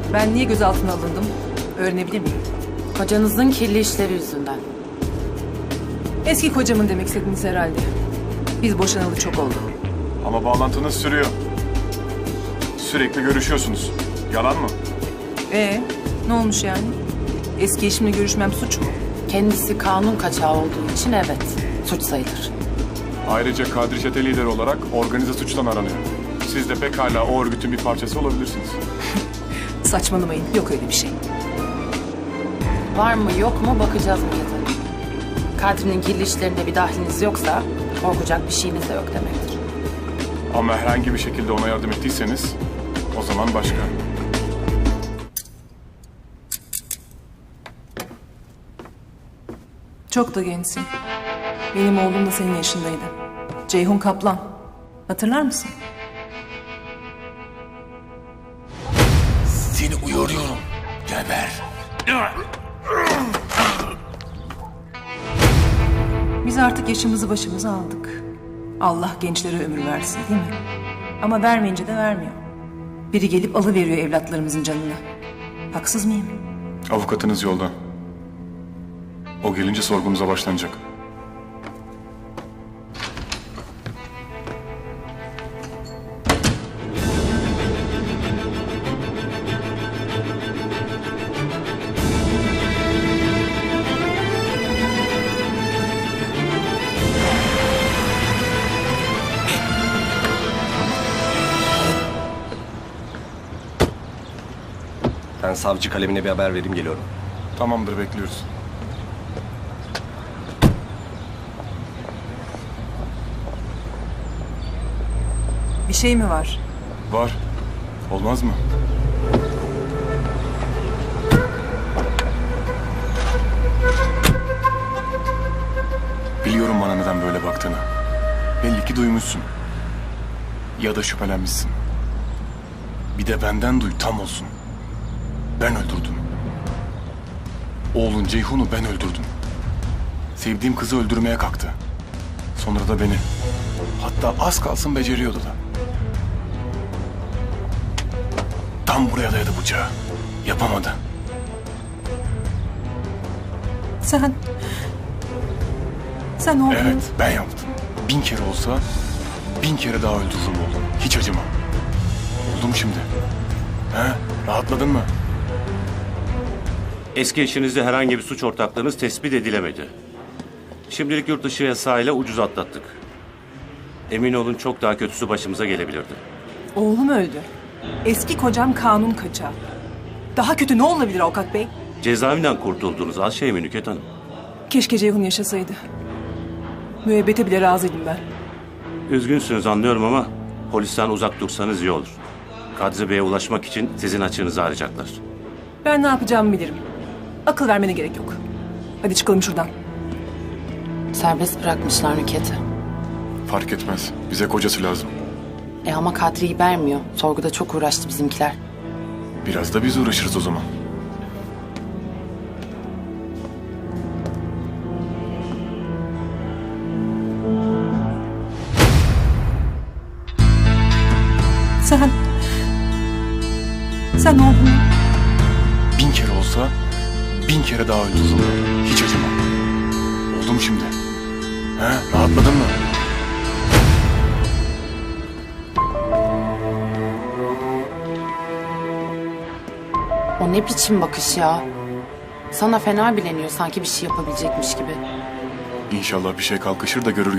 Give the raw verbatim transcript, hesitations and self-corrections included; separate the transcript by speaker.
Speaker 1: Ben niye gözaltına alındım? Öğrenebilir miyim?
Speaker 2: Kocanızın kirli işleri yüzünden.
Speaker 1: Eski kocamın demek istediniz herhalde. Biz boşanalı çok oldu.
Speaker 3: Ama bağlantınız sürüyor. Sürekli görüşüyorsunuz. Yalan mı?
Speaker 1: Ee, ne olmuş yani? Eski eşimle görüşmem suç mu?
Speaker 2: Kendisi kanun kaçağı olduğu için evet, suç sayılır.
Speaker 3: Ayrıca Kadri çete lideri olarak organize suçtan aranıyor. Siz de pekala o örgütün bir parçası olabilirsiniz.
Speaker 1: Saçmalamayın, yok öyle bir şey.
Speaker 2: Var mı yok mu bakacağız Nükhet Hanım. Kadri'nin kirli işlerinde bir dahliniz yoksa korkacak bir şeyiniz de yok demektir.
Speaker 3: Ama herhangi bir şekilde ona yardım ettiyseniz o zaman başka.
Speaker 1: Çok da gençsin. Benim oğlum da senin yaşındaydı. Ceyhun Kaplan. Hatırlar mısın?
Speaker 4: Seni uyarıyorum. Geber.
Speaker 1: Biz artık yaşımızı başımıza aldık. Allah gençlere ömür versin değil mi? Ama vermeyince de vermiyor. Biri gelip alıveriyor evlatlarımızın canını. Haksız mıyım?
Speaker 3: Avukatınız yolda. O gelince sorgumuza başlanacak.
Speaker 5: Ben savcı kalemine bir haber vereyim, geliyorum.
Speaker 3: Tamamdır, bekliyoruz.
Speaker 1: Bir şey mi var?
Speaker 3: Var. Olmaz mı? Biliyorum bana neden böyle baktığını. Belli ki duymuşsun. Ya da şüphelenmişsin. Bir de benden duy, tam olsun. Ben öldürdüm. Oğlun Ceyhun'u ben öldürdüm. Sevdiğim kızı öldürmeye kalktı. Sonra da beni. Hatta az kalsın beceriyordu da. Tam buraya dayadı bıçağı. Yapamadı.
Speaker 1: Sen... Sen oğlum...
Speaker 3: Evet, ben yaptım. Bin kere olsa bin kere daha öldürürüm oğlum. Hiç acımam. Oldum şimdi. He? Rahatladın mı?
Speaker 6: Eski eşinizde herhangi bir suç ortaklığınız tespit edilemedi. Şimdilik yurt dışı yasağıyla ucuz atlattık. Emin olun çok daha kötüsü başımıza gelebilirdi.
Speaker 1: Oğlum öldü. Eski kocam kanun kaçağı. Daha kötü ne olabilir avukat bey?
Speaker 6: Cezaevinden kurtulduğunuz az şey mi Nükhet Hanım?
Speaker 1: Keşke Ceyhun yaşasaydı. Müebbete bile razıydım ben.
Speaker 6: Üzgünsünüz anlıyorum ama polisten uzak dursanız iyi olur. Kadri Bey'e ulaşmak için sizin açığınızı arayacaklar.
Speaker 1: Ben ne yapacağımı bilirim. Akıl vermene gerek yok. Hadi çıkalım şuradan.
Speaker 2: Serbest bırakmışlar Nükhet'i.
Speaker 3: Fark etmez. Bize kocası lazım.
Speaker 2: E ama Kadri'yi vermiyor. Sorguda çok uğraştı bizimkiler.
Speaker 3: Biraz da biz uğraşırız o zaman.
Speaker 1: Sen... Sen oğlum...
Speaker 3: Bin kere olsa bin kere daha öldürürüm. Hiç acımam. Oldum şimdi. He? Rahatladın mı?
Speaker 2: O ne biçim bakış ya? Sana fena bileniyor sanki bir şey yapabilecekmiş gibi.
Speaker 3: İnşallah bir şey kalkışır da görür